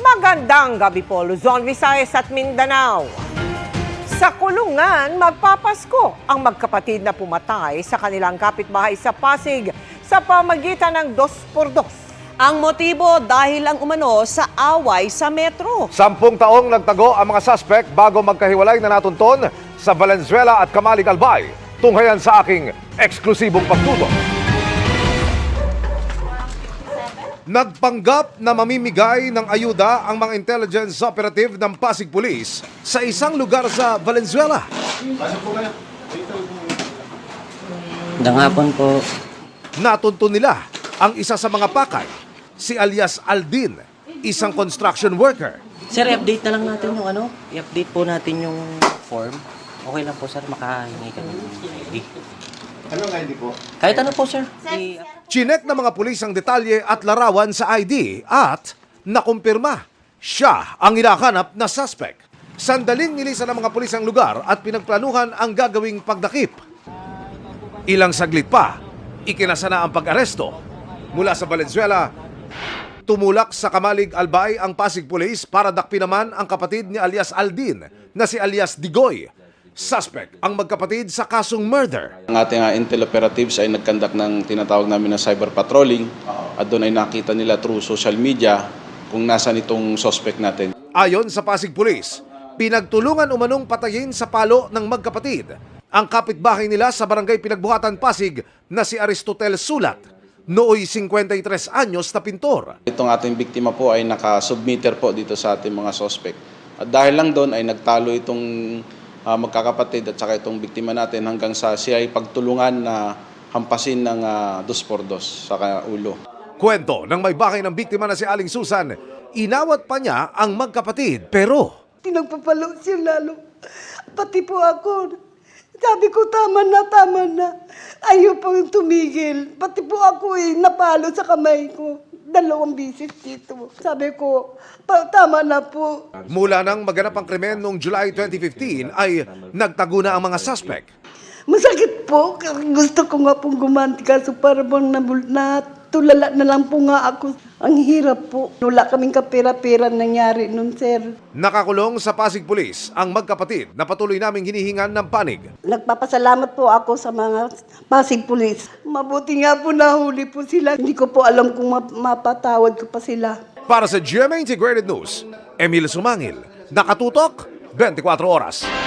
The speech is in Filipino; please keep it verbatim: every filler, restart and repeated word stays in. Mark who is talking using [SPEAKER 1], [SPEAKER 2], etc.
[SPEAKER 1] Magandang gabi po, Luzon, Visayas at Mindanao. Sa kulungan, magpapasko ang magkapatid na pumatay sa kanilang kapitbahay sa Pasig sa pamagitan ng dos por dos.
[SPEAKER 2] Ang motibo dahil ang umano sa away sa metro.
[SPEAKER 3] Sampung taong nagtago ang mga suspect bago magkahiwalay na natunton sa Valenzuela at Camalig Albay. Tunghayan sa aking eksklusibong pagtutok. Nagpanggap na mamimigay ng ayuda ang mga intelligence operative ng Pasig Police sa isang lugar sa Valenzuela.
[SPEAKER 4] Magandang hapon po.
[SPEAKER 3] Natuntun nila ang isa sa mga pakay, si alias Aldin, isang construction worker.
[SPEAKER 4] Sir, i-update na lang natin yung ano, i-update po natin yung form. Okay lang po sir, makahingi kami ng I D.
[SPEAKER 3] Anong I D po?
[SPEAKER 4] Kahit ano po sir. I-
[SPEAKER 3] Chinek ng mga pulis ang detalye at larawan sa I D at nakumpirma siya ang hinahanap na suspect. Sandaling nilisan ng mga pulis ang lugar at pinagplanuhan ang gagawing pagdakip. Ilang saglit pa, ikinasa na ang pag-aresto. Mula sa Valenzuela, tumulak sa Camalig Albay ang Pasig Police para dakpin naman ang kapatid ni alias Aldin na si alias Digoy. Suspect ang magkapatid sa kasong murder.
[SPEAKER 5] Ang ating uh, intel operatives ay nagkandak ng tinatawag namin na cyber patrolling at doon ay nakita nila through social media kung nasan itong suspect natin.
[SPEAKER 3] Ayon sa Pasig Police, pinagtulungan umanong patayin sa palo ng magkapatid ang kapitbahay nila sa barangay Pinagbuhatan, Pasig na si Aristotel Sulat, nooy fifty-three anyos na pintor.
[SPEAKER 5] Itong ating biktima po ay nakasubmitter po dito sa ating mga suspect. At dahil lang doon ay nagtalo itong uh, magkakapatid at saka itong biktima natin hanggang sa siya ay pagtulungan na hampasin ng uh, dos por dos sa ulo.
[SPEAKER 3] Kwento ng may bahay ng biktima na si Aling Susan, inawat pa niya ang magkapatid pero
[SPEAKER 6] Pinagpapalo siya lalo. Pati po ako. Sabi ko, tama na, tama na. Ayaw pang tumigil. Pati po ako eh, napalo sa kamay ko. Dalawang bisis dito. Sabi ko, pa, tama na po.
[SPEAKER 3] mula nang maganap ang krimen noong July twenty fifteen ay nagtago na ang mga suspect.
[SPEAKER 6] Masakit po. Gusto ko nga pong gumanti kaso para bang nabul- natulala na lang po nga ako. Ang hirap po. Wala kaming kapira-pira nangyari nun, sir.
[SPEAKER 3] Nakakulong sa Pasig Police ang magkapatid na patuloy naming hinihingan ng panig.
[SPEAKER 6] Nagpapasalamat po ako sa mga Pasig Police. Mabuti nga po nahuli po sila. Hindi ko po alam kung ma- mapatawad ko pa sila.
[SPEAKER 3] Para sa G M A Integrated News, Emil Sumangil, nakatutok, twenty-four oras.